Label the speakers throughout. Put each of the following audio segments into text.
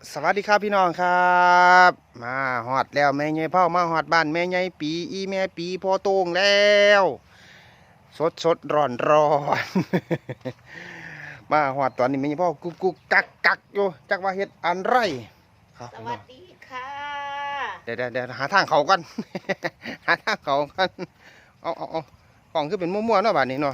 Speaker 1: สวัสดีครับพี่น้องครับ มาฮอดแล้วแม่ใหญ่เผามาฮอดบ้านแม่ใหญ่ปีอีแม่ปีพอโต้งแล้วสดร้อนมาฮอดตอนนี้แม่ใหญ่เผากุกกักอยู่จักว่าเฮ็ดอันไรครับ
Speaker 2: สวัสดีค่ะ
Speaker 1: เดี๋ยวหาทางเขากัน หาทางเขากันเอากล่องคือเป็นมั่วๆเนาะบ้านนี้เนาะ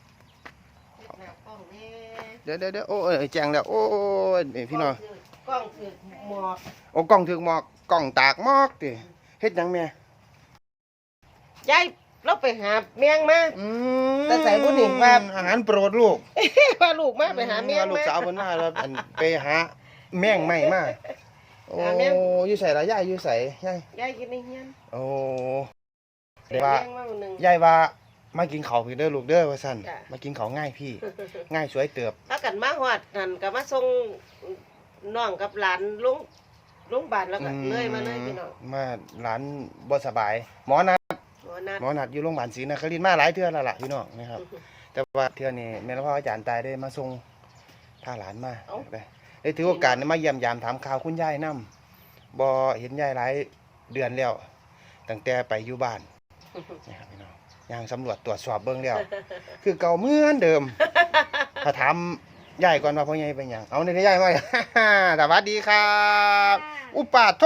Speaker 1: เดี๋ยวโอ้แจงแล้วโอ้ยพี่น้อง
Speaker 2: กล้องถือหมอก
Speaker 1: โอ้กล้องถึกหมอกกล้องตากหมอกติเฮ็ดหยังแม่
Speaker 2: ยายเราไปหาเมียงมา แต่ใส่บุญนี่ว่า
Speaker 1: อาหารโปรดลูก
Speaker 2: ว่าลูกมาไปหาเมียง
Speaker 1: ลูก
Speaker 2: มา
Speaker 1: สาวเพิ่นมาแล้วไปหาแม่งใหม่มาโอ้อยู่ไสล่ะยายอยู่ไสยาย
Speaker 2: ยายกินในเฮียน
Speaker 1: โอ้
Speaker 2: เสีย
Speaker 1: ว่า
Speaker 2: เมียงมาหนึ่ง
Speaker 1: ยายว่ามากินข้าวพี่เด้อลูกเด้อว่าซั่น
Speaker 2: จ้ะ
Speaker 1: มากินข้าวง่ายพี่ ง่ายสวยเติบ
Speaker 2: ถ้ากันมาฮอดนั่นก็มาส่งน้องกับหลานลงบ้านแล้วก็เลยมาเลยพี่น้อง
Speaker 1: มาหลานบ่สบายหมอนัด
Speaker 2: หมอนัด
Speaker 1: หมอนัดอยู่โรงพยาบาลศรีนครินทร์มาหลายเทื่อแล้วล่ะพี่น้องนะครับ แต่ว่าเทื่อนี้แม่นพ่ออาจารย์ตายได้มาส่งพาหลานมาได้ถือโอกาสมาเยี่ยมยามถามข่าวคุณยายนำบ่เห็นยายหลายเดือนแล้วตั้งแต่ไปอยู่บ้านนะครับพี่น้องย่างสำรวจตรวจสอบเบิ่งแล้ว คือเก่าเหมือนเดิม ถ้าถามยายก่อนว่าพ่อใหญ่เป็นหยังเอาในยายมา สวัสดีครับอุปาโท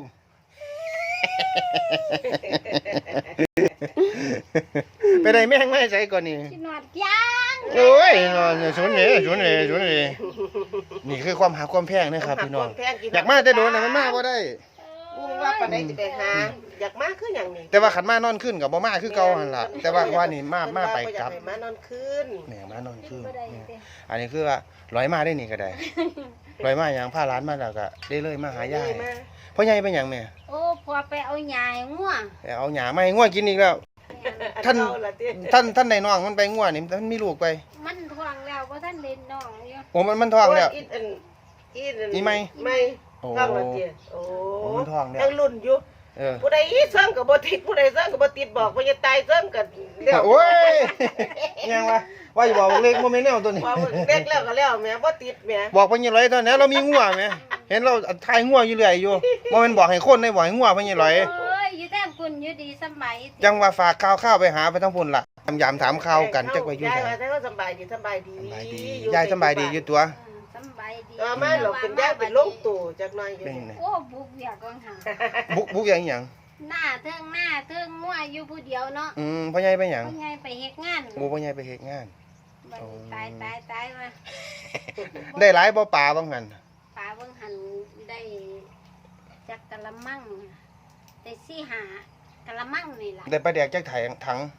Speaker 1: ไปได้แม่งไม่ใส่ก่อนนี่
Speaker 3: กินหนวดย่าง
Speaker 1: โอ้ยนอนสวนนี่นี่คือความหาความแพงนะครับพี่น้อง อยากมาแต่โดนแต่มันมาบ่ได้
Speaker 2: ว่าปานใดสิไปหาอยากมาคือหยังนี่
Speaker 1: แต่ว่าขันมานอนขึ้นกับบ่มาคือเก่าหั่นล่ะแต่ว่าว่านี่มาไปกลับ
Speaker 2: อยากให้มานอนคืน
Speaker 1: แหม่มานอนขึ้น
Speaker 3: บ่ได้
Speaker 1: เนี่ย
Speaker 3: เด้
Speaker 1: อันนี้คือว่าร้อยมาได้นี่ก็ได้ร้อยมาอย่างพาร้านมาแล้วก็ได้เลยมาหายาย
Speaker 2: มา
Speaker 1: พ่อใหญ่เป็นหยังแม่
Speaker 3: โอ้พอไปเอาหญ้าให้งัว
Speaker 1: แต่เอาหญ้ามาให้งัวกินอีกแล้ว ท่าน
Speaker 2: เอล่ะติ
Speaker 1: ท่านในน้องมันไปงัวนี่มันมีลูกไป
Speaker 3: มันท้องแล้วบ่ทันเล่นน้องอยู่
Speaker 1: โอ้มันท้องแล้ว
Speaker 2: อีไม่
Speaker 1: โอ้
Speaker 2: ท้องแล้วติโอ้
Speaker 1: โอ้มันท้องแล้ว
Speaker 2: ยังรุ่นอยู่
Speaker 1: เออ
Speaker 2: ผู้ใดเสริมก็บ่ติดผู้ใดเสริมก็บ่ติดบอกว่าจะตายเสริมก็แล้ว
Speaker 1: โอ้ยยังวะว่าอยู่บอกเล็กโมเมนต์แนวตัวนี้
Speaker 2: ว่าเล็กแล้วก็แล้วแม่บ่ติดแม่
Speaker 1: บอกเพิ่นยี่ร้อยตอนนี้เรามีงัวไหมเห็นเราทายงัวอยู่เรื่อยอยู่โมเมนต์บอกให้คนได้บอกให้งัวเพิ่นยี่ร้อย
Speaker 3: เอ้ยอยู่แต้มคุณอยู่ดีสำบาย
Speaker 1: จังว่าฝากข้าวไปหาไปทั้งพุ่นล่ะยามถามข่าวกันจักว่าอยู่
Speaker 2: ยาย
Speaker 1: ไส
Speaker 2: ว่าแต่ว่าสบายดี
Speaker 1: สบายดียายสบายดีอยู่ตัว
Speaker 3: สำบายดี
Speaker 2: มาหลบเป็นยายเป็นลงตู่จักหน่อยอยู่
Speaker 1: เป็นไง
Speaker 3: โอ้บุกเวียกกังหัน
Speaker 1: บุกอย่างหยัง
Speaker 3: หน้าเทิงงัวอยู่ผู้เดียวเนาะ
Speaker 1: พ่อใหญ่ไปหยัง
Speaker 3: พ่อใหญ่ไปเฮ็ดงาน
Speaker 1: โอ้พ่อใหญ่ไปเฮ็ดงาน
Speaker 3: บัดนี้ตายมา
Speaker 1: ได้หลายบ่ปลาบ้างหั่น
Speaker 3: ปลาเบิ่งหันได้จักกะละมังได้4-5กะละมังนี่ล่ะ
Speaker 1: ได้ปลาแดกจักถัง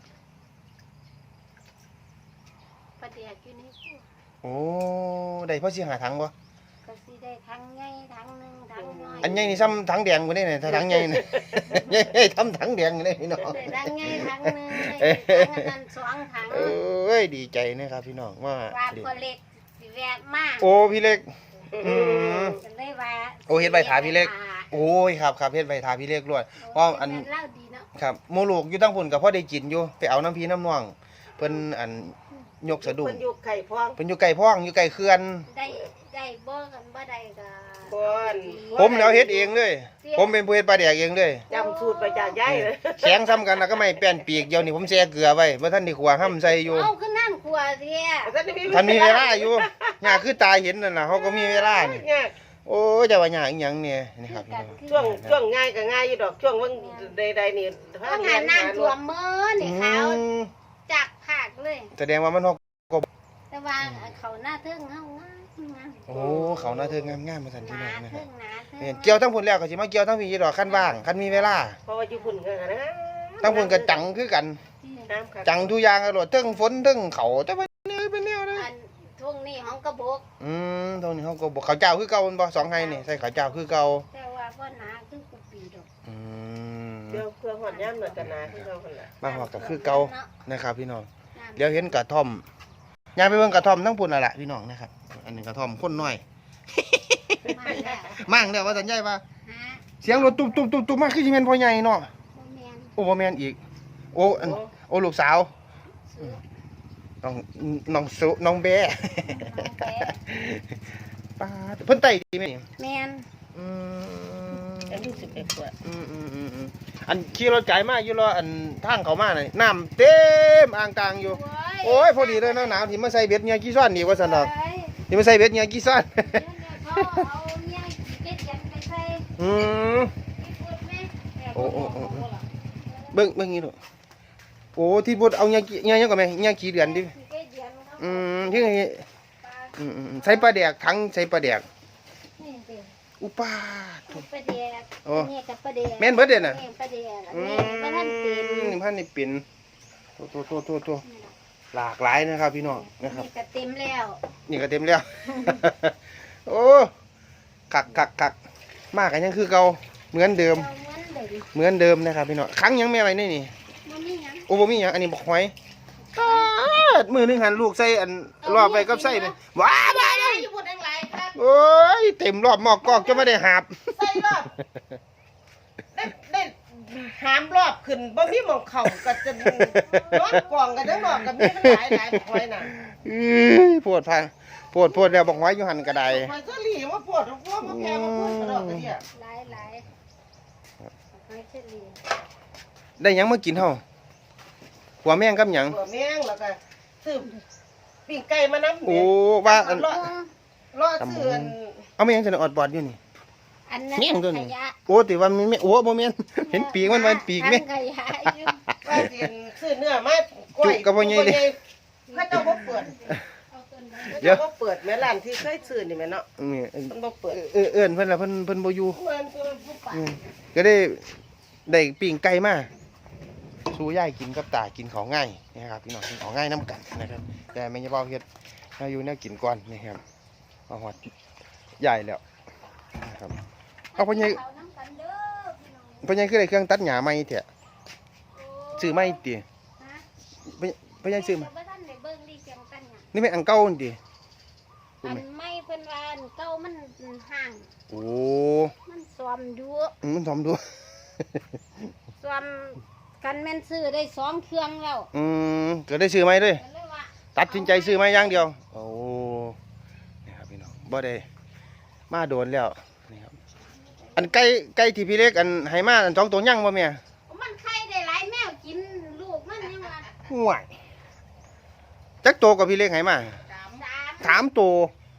Speaker 3: ประเดี๋ยวอยู่ในตู้
Speaker 1: โอ้ได้พอสิหาถังบ่
Speaker 3: ก็สิได้ทั้งใหญ่ทั้งหนึงทั้งน้อย
Speaker 1: อันใหญ่นี่ซ้ำถังแดงกว่านี่ถ้าถังใหญ่นี่ ใหญ่ทำถังแดงนี่พี่น้อง
Speaker 3: ได้ทั้งใหญ่ทั้งหนึงได้ทั้งนั้น2ถัง
Speaker 1: เอ้ยดีใจนะครับพี่น้องว่า
Speaker 3: ว่าพอเล็กสิแวะมา
Speaker 1: โอ้พี่เล็ก
Speaker 3: ก็เลยว่า
Speaker 1: โอ้เฮ็ดใบถาพี่เล็ก โอ้ยครับเฮ็ดใบทาพี่เล็กรวดเพราะอัน
Speaker 3: เล่าดีเนาะ
Speaker 1: ครับหมู่ลูกอยู่ตั้งพุ่นก็พอได้กินอยู่ไปเอาน้ำพี่น้ำน้องเพิ่นอันยกสะดุ้ง
Speaker 2: เพิ่นอยู่ไข่พวง
Speaker 1: เพิ่นอยู่ไกลพ้องอยู่ไกลเขื่อน
Speaker 3: ได้บ่กันบ่ได้ก็
Speaker 2: บ่อน
Speaker 1: ผมแล้วเฮ็ดเองเลย ผมเป็นผู้เฮ็ดปลาแดกเองเลย
Speaker 2: จำสูตรไปจากยายเลย
Speaker 1: แข็งซ้ำกันแล้วก็ไม่แป้นปีกเดียวนี่ผมแช่เกลือไว้บ่ทันได้ขัวห้ำใส่อยู่
Speaker 3: เอาขึ้นนั่นครัวเสีย
Speaker 1: ท่านมีเวลาอยู่ยากคือตายเห็นนั่นน่ะเขาก็มีเวลานี่
Speaker 2: เนี่ย
Speaker 1: โอ้ยจะว่ายากอีหยังเนี่ยนี่ครับ
Speaker 2: ช่วงง่ายก็ง่ายอยู่ดอกช่วงว่างใดๆนี่
Speaker 3: ต้องหาน้ำท่วมมื้อนี่ขาวจักภาคเลย
Speaker 1: แสดงว่ามันฮอก
Speaker 3: แต่ว่าเขาหน้าเทิงเฮางาม
Speaker 1: โอ้เขาน่าเทิงงามๆมาสั่น
Speaker 3: ห
Speaker 1: พี่
Speaker 3: นา
Speaker 1: น้องนะค
Speaker 3: เทิ
Speaker 1: รับ
Speaker 3: งหนาเทิง
Speaker 1: เนี่ยเกี่ยวทั้งพุ่นแล้วก็สิมาเกี่ยวทั้งพี่ดอกคันว่างคันมีเวลา
Speaker 2: เพราะว่าอยู่พุ่นกันนะ
Speaker 1: ทั้งพุ่นก็จังคือกัน
Speaker 2: น้ำค่ะ
Speaker 1: จังทุกอย่างอร่อยเทั้งฝนเทั้งเขาแต่ว่าเนี่ยเป็นแนวนะ
Speaker 3: อันทุ่งนี่ของกระบก
Speaker 1: ตรงนี้เขาก็บอกเขาวเจ้าคือเก่ามันบ่สองไห้นี่ใส่เขาวเจ้าคือเก่า
Speaker 3: แต่ว่าบ่หนาคือกูปีดอก
Speaker 1: อืม
Speaker 2: เดี๋ยวเครื่องหอดย่ำเหมือนกันนะที่เราคนละ
Speaker 1: มาหอกก็คือเก่านะครับพี่น้องเดี๋ยวเห็นกระท่อมยายไปเบิ่งกระท่อมทั้งพุ่นน่ะล่ะพี่น้องนะครับอันนี้กระท่อมคนน้อย
Speaker 3: มาแล้ว
Speaker 1: มั่งแล้วว่าสัญญาว่า
Speaker 3: ฮะ
Speaker 1: เสียงรถตุ๊บมาคือสิแม่นพ่อใหญ่เนาะ
Speaker 3: บ่แม่น
Speaker 1: โอ้บ่แม่นอีกโอ้อันโอ้ลูกสาวน้องสุน้องแบ
Speaker 3: น้องแป๊ะ
Speaker 1: ป้าดเพิ่นไต่ดีไหมนี่
Speaker 3: แม่น
Speaker 1: อืม
Speaker 2: อายุ11กว่า
Speaker 1: อันขี่รถไกลมากอยู่รออันทางเขามาน่ะน้ำเต็มอ่างกลางอยู่โอ้ยพอดีเลยหนาวๆที่มาใส่เบ็ดเงียกี่ซ้อนนี่ว่าซั่นดอกที่มาใส่เบ็ดเงียกี่ซ้อน
Speaker 3: เขาเอาเนี่ยเก็ดยันไปใส่
Speaker 1: อืม
Speaker 3: พูดไหม
Speaker 1: โอ้เบิ่งนี่ลูกโอ้ที่พูดเอาเงียยังก่อนไหมเงียกี่เดือนดิ
Speaker 3: เก็ดยันเขา
Speaker 1: ที่ไง
Speaker 3: ปลา
Speaker 1: ใส่ปลาแดกทั้งใส่ปลาแดก
Speaker 3: นี่เด็ก
Speaker 1: อุปาท
Speaker 3: ปลาแดก
Speaker 1: โอ้
Speaker 3: นี่กับปลาแดก
Speaker 1: แม่นเบิดเด้อน่ะ
Speaker 3: แม่นปลาแดกอันนี้บ่ทันเป็น
Speaker 1: นี่พันนี่เป็นโตหลากหลายนะครับพี่น้องนะครับ
Speaker 3: นี่ก็เต็มแล้ว
Speaker 1: นี่ก็เต็มแล้ว โอ้คักมากกันยังคือเก่าเหมือนเดิม
Speaker 3: เอาเหมือนเดิม
Speaker 1: เหมือนเดิมนะครับพี่น้องครั้งยังแม่ไว้นี่
Speaker 3: มันมีหยัง
Speaker 1: โอ้บ่มีหยังอันนี้บอกหอยตาดมือหนึงหันลูกใส่อันรอบไปกับใส่เลยว้าบ้าเลย
Speaker 2: อยู่บนแดงหลายครับ
Speaker 1: โอ้ยเต็มรอบหมอกกอกจะไม่ได้หาบ
Speaker 2: ใส่รอบได้หามรอบขึ้นบ่มีหม่องเข้าก็จะนอนกองกันทั้งรอบก็มีมันหลายหอยน่ะ
Speaker 1: ปวดพังปวดแล้วบอกหอยอยู่หันกระได
Speaker 2: หอยสลีมาปวดพวกมาแพงมาพูดกระดอกกระเดี่ย
Speaker 3: หลายหอยเชอรี่
Speaker 1: ได้หยังมากินเฮาหัวแม่งกับหยัง
Speaker 2: หัวแมงแล้วก็ซื้อปิ้งไก่มานำ
Speaker 1: โอ้ว่าอัน
Speaker 2: รอซื้ออัน
Speaker 1: เอาแม่งจะออดบอดอยู่นี่
Speaker 3: อันนั้น
Speaker 1: แม่งตัวนี้
Speaker 3: ขยะ
Speaker 1: โอ้ติว่ามันไม่โอ้บ่แม่นเห็นปีกมันปีกแม่
Speaker 3: อันขยะอยู่
Speaker 2: ว่าสิซื้อเนื้อมาก้อย
Speaker 1: จุกกับบ่ใหญ่เลย
Speaker 2: เขาเจ้าบ่เปิด
Speaker 3: เอาต้นไม้
Speaker 1: เดี๋ยว
Speaker 2: เขาบ่เปิดแม่ร้านที่เคยซื้อนี่แม่เนาะ
Speaker 1: นี่
Speaker 2: มันบ่เปิด
Speaker 1: เอิ้นเพิ่นล่ะเพิ่นบ่อยู่
Speaker 2: เหมือนตัวผู้ป่า
Speaker 1: ก็ได้ปิ้งไก่มาสู้ยายกินกับตากินของง่ายนะครับพี่น้องกินของง่ายน้ำกันนะครับแต่แม่ยายเบาเฮ็ดให้อยู่แนวกินก่อนนะครับมาฮอดใหญ่แล้วนะครับเอาพ่อใหญ่
Speaker 3: เขาน้ำกันเด้อพี่น้อง
Speaker 1: พ่อใหญ่คือได้เครื่องตัดหญ้าใหม่แท้
Speaker 3: โอ้
Speaker 1: ซื้อใหม่ติ
Speaker 3: ฮะ
Speaker 1: พ่อใหญ่ซื้อมา
Speaker 3: บ่ทันได้เบิ่งดีเสียงกันหยัง
Speaker 1: นี่แม่นอันเก่านี่ติ
Speaker 3: อันไม่เพิ่นว่าอันเก่ามันห่าง
Speaker 1: โอ้
Speaker 3: มันซ้อมอยู่
Speaker 1: มันทอมดู
Speaker 3: ซ้อมกันแม่นซื้อได้2เครื่องแล้ว
Speaker 1: ก็ได้ซื้อใหม่เลย
Speaker 3: ก็เลยว่า
Speaker 1: ตัดสินใจซื้อใหม่อย่างเดียวโอ้นี่ครับพี่น้องบ่ได้มาโดนแล้วนี่ครับอันไก่ที่พี่เล็กอันให้มาอัน2ตัวยังบ่แม่
Speaker 3: มันไข่ได้หลายแมวกินลูกมันยังว่า
Speaker 1: ห่วยจักโตวกับพี่เล็กให้มา
Speaker 3: สาม
Speaker 1: 3ตัว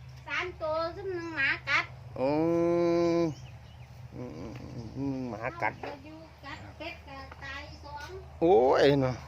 Speaker 3: 3ตัวซึ่งหมากัด
Speaker 1: โอ้หมากัด
Speaker 3: เอาอยู่กัดเป็ดก็ตาย2
Speaker 1: โอ้ยเนาะ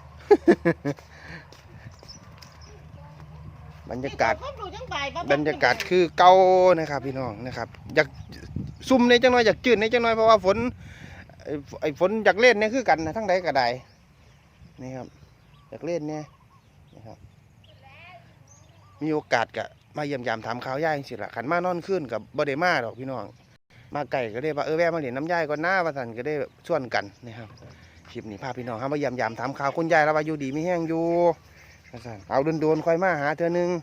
Speaker 1: บรรยากาศ
Speaker 2: ครบดูจังบ่าย
Speaker 1: บรรยากาศคือเก่านะครับพี่น้องนะครับอยากซุ่มในจังน้อยอยากจืดในจังน้อยเพราะว่าฝนไอ้ฝนอยากเล่นเนี่ยคือกันนะทั้งใดก็ได้นี่ครับอยากเล่นเนี่ยนะครับมีโอกาสก็มาเยี่ยมยามถามข่าวย่ายสิละขันมานอนขึ้นกับบ่ได้มาดอกพี่น้องมาไก่ก็ได้ว่าแวะมาเล่นน้ำย่ายก่อนหน้าว่าสันก็ได้ส่วนกันนะครับคลิปนี้พาพี่น้องครับมาเยี่ยมยามถามข่าวคุณยายแล้วว่าอยู่ดีไม่แห้งอยู่ว่าสันเอาโดนๆค่อยมาหาเธอนึง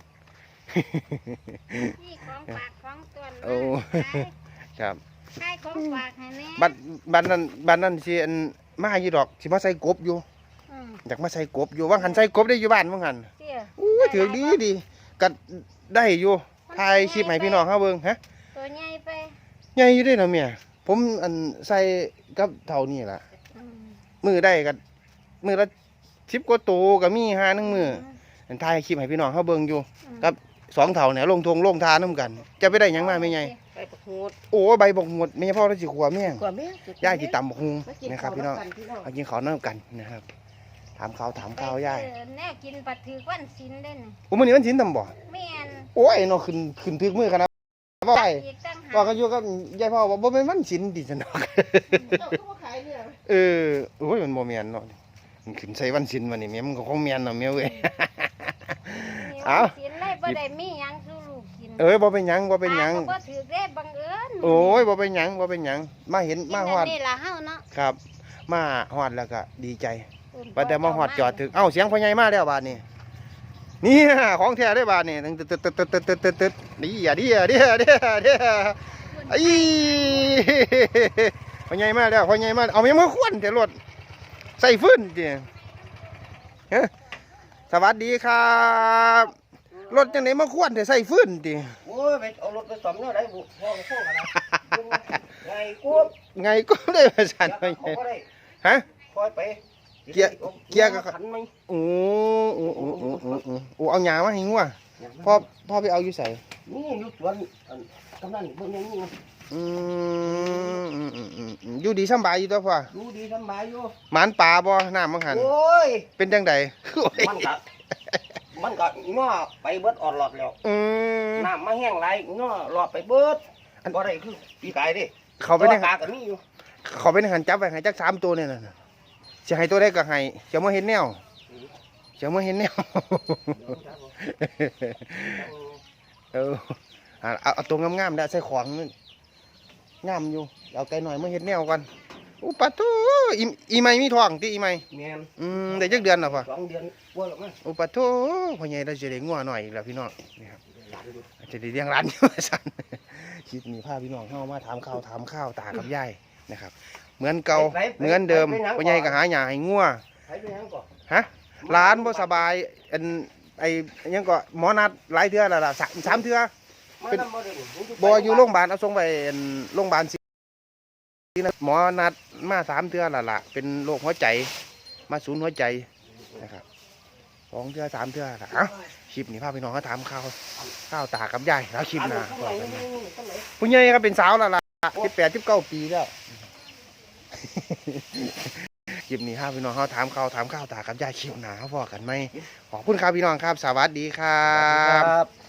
Speaker 3: นี่ของฝากของตน
Speaker 1: โอ้ ครับ
Speaker 3: ขายของฝากให้แน่
Speaker 1: บ้านนั้นสิอันมาอยู่ดอกสิมาใส่กบอยู่
Speaker 3: อืม
Speaker 1: อยากมาใส่กบอยู่ว่างหันใส่กบได้อยู่บ้านว่างหัน
Speaker 3: เตี้ย
Speaker 1: อู้ถือดีก็ได้อยู่ถ่ายคลิปให้พี่น้องเฮาเบิ่งฮะ
Speaker 3: ตัวใหญ่ไป
Speaker 1: ใหญ่อยู่เด้เนาะเมียผมอันใส่กับเท่านี้ล่ะ
Speaker 3: อืม
Speaker 1: มือได้ก็มือละ10กว่าตัวก็มีหานึงมืออันถ่ายคลิปให้พี่น้องเฮาเบิ่งอยู่ ครับ 2เท่าเนี่ยลงทานํกัน จะไปได้หยังมาแม่ใหญ่
Speaker 2: ไปประหูด
Speaker 1: โอ้ใบบอกหมดแม่พ่อเราสิขัวแม่ง
Speaker 2: กว่าแม่
Speaker 1: ย่ายสิตำบักฮุง
Speaker 2: มากิน
Speaker 1: นะครับ
Speaker 2: ข้าว
Speaker 1: พี่น้อง
Speaker 2: กันพี่น้อง
Speaker 1: เอากินข้าวน้ำกันนะครับถามข่าวย่าย
Speaker 3: แน่กินปัดถือวันศิลเล่น
Speaker 1: โอ้มื้อนี้วันศีลทำบ่
Speaker 3: แม่น
Speaker 1: โอ้ยเนาะขึ้นถึกมือขนาดว่าไป
Speaker 3: อีกตั้งหา
Speaker 1: ว่าก็อยู่กับยายพ่อว่าบ่เป็นวันศีลดิซั่นดอก
Speaker 2: เจ้าก็มาขายเนี่ย
Speaker 1: โอ้ยมันบ่แม่นเนาะมันขึ้นใส่วันศีลมานี่แม่มันก็คงแม่นเนาะแม่เว้ย เอา
Speaker 3: ศิลเลยบ่ได้มีหยังสู่ลูกกิน
Speaker 1: บ่เป็นหยังบ่เป็นหยัง
Speaker 3: ก็บ่ถือได้บังเอิญ
Speaker 1: โอ้ยบ่เป็นหยังบ่เป็นหยังมาเห็นมาฮอด
Speaker 3: นี่ล่ะเฮาเนาะ
Speaker 1: ครับ มาฮอดแล้วก็ดีใจว่าแต่มาฮอดจอดถึงเอ้าเสียงพ่อใหญ่มาแล้วบาดนี้นี่ของแท้ได้บาดนี้ตึ๊ดดีอ่ะดีไอ้พ่อใหญ่มาแล้วพ่อใหญ่มาเอาแม่มาควนแต่รถใส่ฟื้นติฮะสวัสดีครับรถจังได๋มาควรแต่ใส่ฟืนติ
Speaker 2: โอ้ยไปเอารถไปซ่อมเนาะได้บุพ่อกันนะไงกู
Speaker 1: ไงก็ได้ว่าซั่น
Speaker 2: เขาก็ได้
Speaker 1: ฮะ
Speaker 2: คอยไป
Speaker 1: เกียร์ก็
Speaker 2: ขันไหม
Speaker 1: โอ้เอาหญ้ามาให้งัวพ่อไปเอาอยู่ไส
Speaker 2: นี่อยู่สวนกำนันเบิ่งอย่างนี้
Speaker 1: อยู่ดีสำบายอยู่ตัวพ่อ
Speaker 2: ดูดีสบายอยู่
Speaker 1: หมานป่าบ่น้ำมังหัน
Speaker 2: โอ้ย
Speaker 1: เป็นจังได
Speaker 2: มันก็ง้อไปเบิดออดหลอดแล้ว น้ำมาแห้งไรง้อหลอดไปเบิดบ่ได้คือปีกายดิ
Speaker 1: เขาไปใน
Speaker 2: ปลาก็มีอยู่
Speaker 1: เขาไปในหันจับไว้ให้จัก3ตัวเนี่ยน่ะสิให้ตัวใดก็ให้จะมาเห็นแนวจะมาเห็นแนว เอาตัวงามๆได้ใส่ของงามอยู่เอาไก่หน่อยมาเห็นแนวก่อนอุปะโตอีไม่มีท้องติอีไม่
Speaker 2: แม่น
Speaker 1: ได้จักเดือนแล้วพ่อ
Speaker 2: 2 เดือนกว่าแล้วมั้ง
Speaker 1: อุปะโตพ่อใหญ่เราจะได้งัวหน่อยอีกแล้วพี่น้องนี่ครับ
Speaker 2: หลานอยู่
Speaker 1: จะได้เลี้ยงร้านอยู่สั่นคลิปนี้พาพี่น้องเข้ามาถามข้าวตากับยายนะครับ เหมือนเก่าเหมือนเดิมพ่อใหญ่ก็หาหญ้าให้งัว
Speaker 2: ไปเป็นหยังก่อน
Speaker 1: ฮะร้านบ่สบายอันไอ้หยังก็หมอนัดหลายเทื่อแล้วล่ะสามเทื่อ
Speaker 2: มาทำบ่ได้นี่
Speaker 1: บ่อยู่โรงพยาบาลเอาส่งไปอันโรงพยาบาลศรีนะหมอนัดมา3 เทื่อแล้วล่ะเป็นโรคหัวใจมาศูนย์หัวใจนะครับ2 เทื่อ3 เทื่อล่ะเอ้าคลิปนี้พาพี่น้องเขาถามข้าวตากับยายแล้วคลิปหน้าบอกกันนะผู้ใหญ่ก็เป็นสาวแล้วล่ะ18 19 ปีแล้ว คลิปนี้ครับพี่น้องเขาถามข้าวตากับยายคลิปหน้าเขาบอกกันไหมขอบคุณครับพี่น้องครับ สวัสดีครับ
Speaker 2: ครับ